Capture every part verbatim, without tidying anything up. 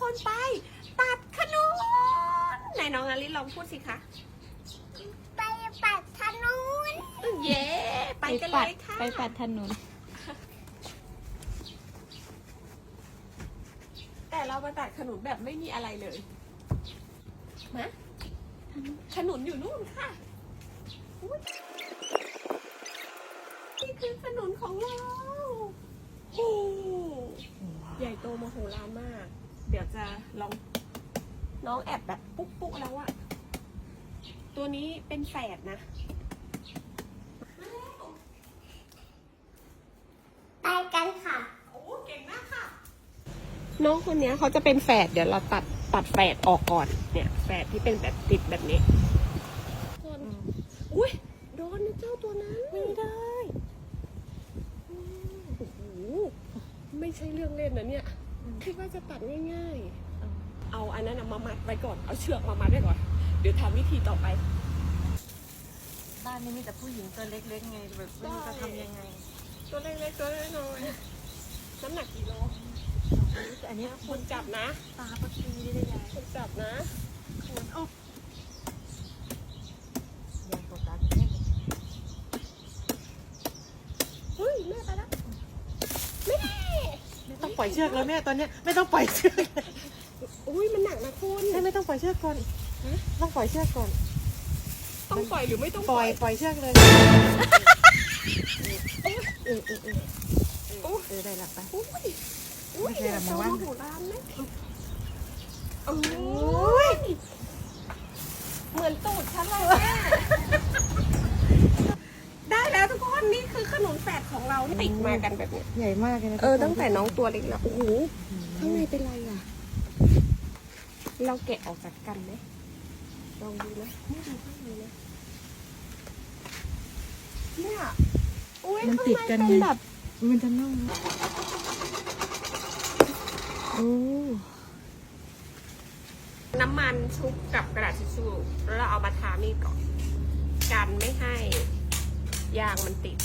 คนไปตัดขนุนไหนน้องอลิลองพูดสิคะไปปัดถนนเย้ไปกันเลยค่ะไปปัดถนนแต่เรามาตัดขนุนแบบไม่มีอะไรเลยมาขนุนอยู่นู่นค่ะนี่คือขนุนของเราโอ้ใหญ่โตมโหฬารมาก เดี๋ยวจะลองน้องแอบแบบปุ๊กปุ๊กแล้วอะตัวนี้เป็นแฝดนะไปกันค่ะโอ้เก่งมากค่ะน้องคนนี้เขาจะเป็นแฝดเดี๋ยวเราตัดตัดแฝดออกก่อนเนี่ยแฝดที่เป็นแบบติดแบบนี้คนอุ้ยโดนนะเจ้าตัวนั้นไม่ได้โอ้โหไม่ใช่เรื่องเล่นนะเนี่ยคิดว่าจะตัดง่ายๆเอาอันนั้นมามัดไว้ก่อนเอาเชือกมามัดไว้ก่อนเดี๋ยวทำวิธีต่อไปบ้านนี้มีแต่ผู้หญิงตัวเล็กๆไงแบบไม่รู้จะทำยังไงตัวเล็กๆตัวน้อยๆน้ำหนักกี่โลอันนี้คนจับนะตาปตีได้ยังคนจับนะคนโอ้ยังตกตาแม่เฮ้ยแม่ไปแล้วแม่ไม่ต้องปล่อยเชือกแล้วแม่ตอนนี้ไม่ต้องปล่อยเชือกอุ้ยมันหนักนะคุณแม่ไม่ต้องปล่อยเชือกก่อนต้องปล่อยเชือกก่อนต้องปล่อยหรือไม่ต้องปล่อยปล่อยเชือกเลยเออเออเออเออได้หลับไปอุ้ยไม่ใช่ละมั้งวะโหร้านไหมโอ้ยเหมือนตูดฉันเลยแม่ได้แล้วทุกคนนี่คือขนมแฝดของเราติดมากันแบบนี้ใหญ่มากเลยนะเออตั้งแต่น้องตัวเล็กแล้วโอ้โหข้างในเป็นไรอ่ะเราแกะออกจากกันไหมลองดูนะไม่ดูข้างในนะเนี่ยอุ้ยข้างในเป็นแบบมันจะน่องโอ้น้ำมันชุบกับกระดาษทิชชู่แล้วเราเอามาทามีดก่อนกันไม่ให้ยางมันติด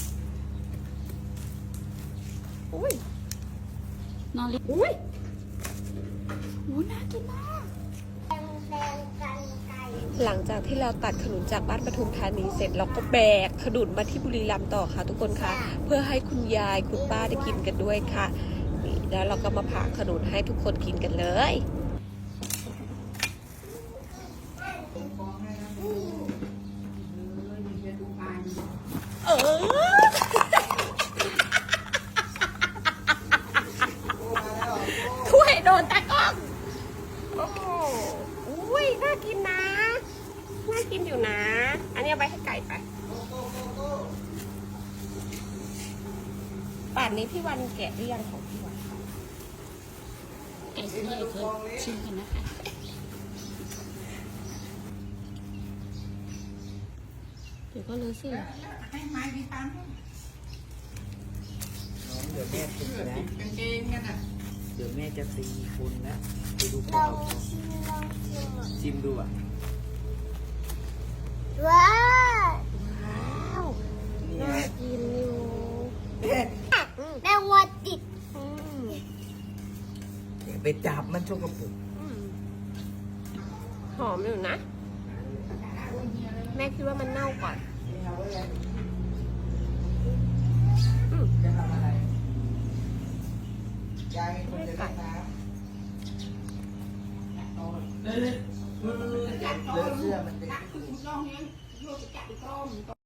อุ้ยนอนลิอุ้ยอุ้ยน่ากินมากแดงกันไก่หลังจากที่เราตัดขนุนจากบ้านปทุมธานีเสร็จเราก็แบกขนุนมาที่บุรีรัมย์ต่อค่ะทุกคนค่ะเพื่อให้คุณยายคุณป้าได้กินกันด้วยค่ะนี่แล้วเราก็มาผ่าขนุนให้ทุกคนกินกันเลยเออถ้วยโดนตะก้องโอ้โหอุ้ยน่ากินนะน่ากินอยู่นะ อันนี้เอาไปให้ไก่ไปป่านนี้พี่วันแกะหรือยังของพี่วันแกะให้เธอชิมกันนะคะเดี๋ยวก็เลยสิให้ไม้พี่ตันเดี๋ยวแม่ตีนะกางเกงกันอ่ะเดี๋ยวแม่จะตีคุณนะไปดูลพ่อองชิมลองชิมชิมดูอ่ะว้าวน่ากินอยู่แมงวันติดอย่าไปจับมันชกกระปุกหอมอยู่นะแม่คิดว่ามันเน่าก่อนจะทำอะไรยายคนจะได้น้ำเลอะเสื้อมันเป็น